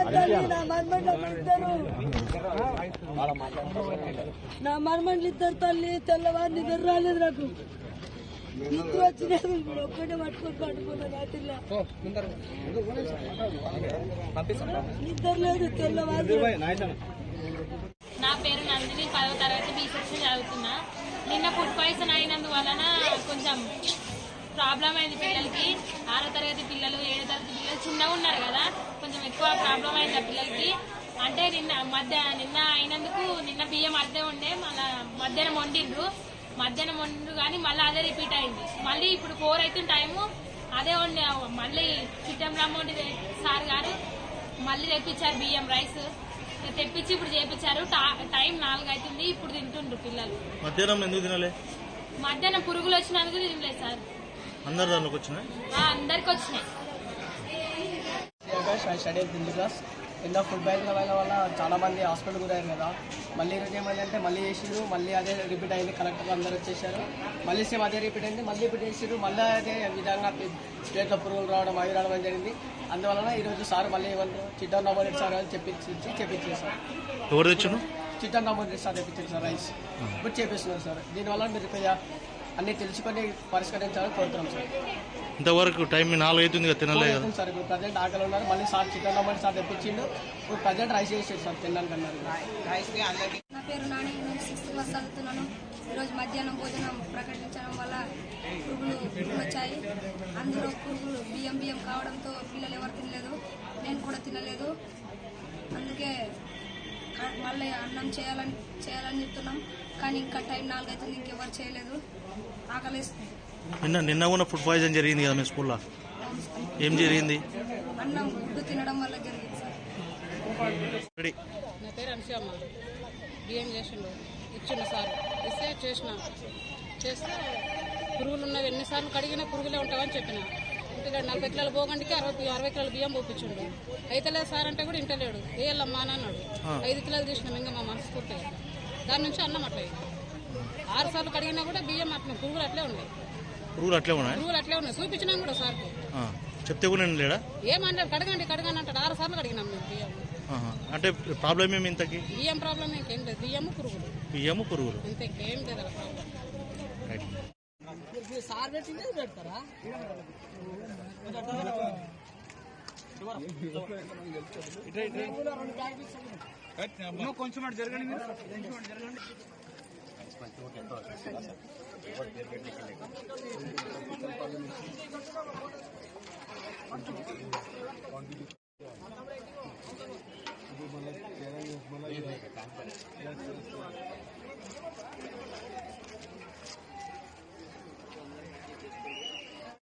నా మర్మండ్లు ఇద్దరు తల్లి తెల్లవారు నిద్ర రాలేదు నాకు నిద్ర వచ్చినది ఒక్కడే పట్టుకొని పట్టుకున్నా రాత్రిలో నిద్ర లేదు తెల్లవారు. నా పేరు నందిని 10వ తరగతి బి సెక్షన్ చదువుతున్నా. నిన్న ఫుడ్ పాయిజన్ అయినందువలన కొంచెం ప్రాబ్లం అయింది పిల్లలకి. 6వ తరగతి పిల్లలు 7వ తరగతి పిల్లలు చిన్నగా ఉన్నారు కదా, కొంచెం ఎక్కువ ప్రాబ్లం అయింది ఆ పిల్లలకి. అంటే నిన్న అయినందుకు నిన్న బియ్యం అద్దె ఉండే మళ్ళా మధ్యాహ్నం వండిండ్రు కానీ మళ్ళీ అదే రిపీట్ అయింది. మళ్ళీ ఇప్పుడు 4 అవుతుంది టైము అదే వండి మళ్ళీ చిట్టం రామోండి సార్ గారు మళ్ళీ తెప్పించారు బియ్యం రైస్ తెప్పించి ఇప్పుడు చేపించారు. టైం 4 అవుతుంది ఇప్పుడు తింటుండ్రు పిల్లలు. మధ్యాహ్నం ఎందుకు తినలే? మధ్యాహ్నం పురుగులు వచ్చినందుకు తినలేదు సార్. అందరికి వచ్చినాయి. కింద ఫుడ్ పాయిజన్ వల్ల చాలా మంది హాస్పిటల్ గురయ్యారు కదా. మళ్ళీ ఈరోజు ఏమైందంటే మళ్ళీ చేసిరు, మళ్ళీ అదే రిపీట్ అయింది. కలెక్టర్ అందరూ వచ్చేసారు, మళ్ళీ సేమ్ అదే రిపీట్ అయింది, మళ్ళీ రిపీట్ చేసిరు. మళ్ళీ అదే విధంగా స్టేట్లో పురుగులు రావడం అవి రావడం జరిగింది. అందువలన ఈరోజు సార్ మళ్ళీ చిట్టన్ రామోరెడ్డి సార్ చెప్పించేసారు. ఎవరు తెచ్చారు? చిట్టన్ రామోరెడ్డి సార్ తెప్పించారు సార్ రైస్ ఇప్పుడు చేపిస్తున్నారు సార్. దీనివల్ల మీరు అన్ని తెలుసుకొని పరిష్కరించాలని కోరుతున్నాం సార్. ఇంతవరకు టైం 4 అవుతుంది కదా, తినలేదు సార్. ఇప్పుడు ప్రజెంట్ ఆకలి ఉన్నారు, మళ్ళీ సార్ చికెన్ రమ్మని సార్ తెప్పించిండు. ఇప్పుడు ప్రజెంట్ రైస్ చేసేది సార్ తినడానికి అన్నారు. నా పేరు నాని, నేను 6th క్లాస్ చదువుతున్నాను. ఈరోజు మధ్యాహ్నం భోజనం ప్రకటించడం వల్ల పురుగులు వచ్చాయి. అందులో పురుగులు బియ్యం కావడంతో పిల్లలు ఎవరు తినలేదు, నేను కూడా తినలేదు. అందుకే మళ్ళీ అన్నం చేయాలని చెప్తున్నాం, కానీ ఇంకా టైం 4 అవుతుంది, ఇంకెవరు చేయలేదు. ఆకలిస్తుంది. నిన్న కూడా ఫుడ్ పాయిజన్ జరిగింది కదా మీ స్కూల్లో, ఏం జరిగింది? అన్నం గుడ్డు తినడం వల్ల జరిగింది సార్. నా పేరు అనుసూయమ్మ. బియ్యం చేసిండు ఇచ్చిండు సార్, ఇస్తే చేస్తే పురుగులు ఉన్నవి ఎన్నిసార్లు కడిగినా పురుగులే ఉంటావని చెప్పిన. ఇంటలేడు. 40 కిలోల పోగండికి 60 కిలోల బియ్యం పోపించిండు. అయితలేదు సార్ అంటే కూడా ఇంటలేడు. వేయాలమ్మా అని అన్నాడు. 5 కిలోలు తీసినాం ఇంకా మా మనస్ఫూర్తిగా. దాని నుంచి అన్నం అట్లా 6 సార్లు కడిగినా కూడా బియ్యం అట్లా పురుగులు అట్లే ఉన్నాయి. చూపించినాం కూడా సార్ చెప్తే కూడా లేడా? ఏమన్నాడు? కడగండి అంటాడు. 6 సార్లు కడిగినాం మేము బియ్యం. అంటే ప్రాబ్లం ఏమి ఇంతకి? బియ్యం ప్రాబ్లం ఇంకేం లేదు, బియ్యము పురుగులు ఇంకేం లేదు ప్రాబ్లం. కొంచెం జరగండి.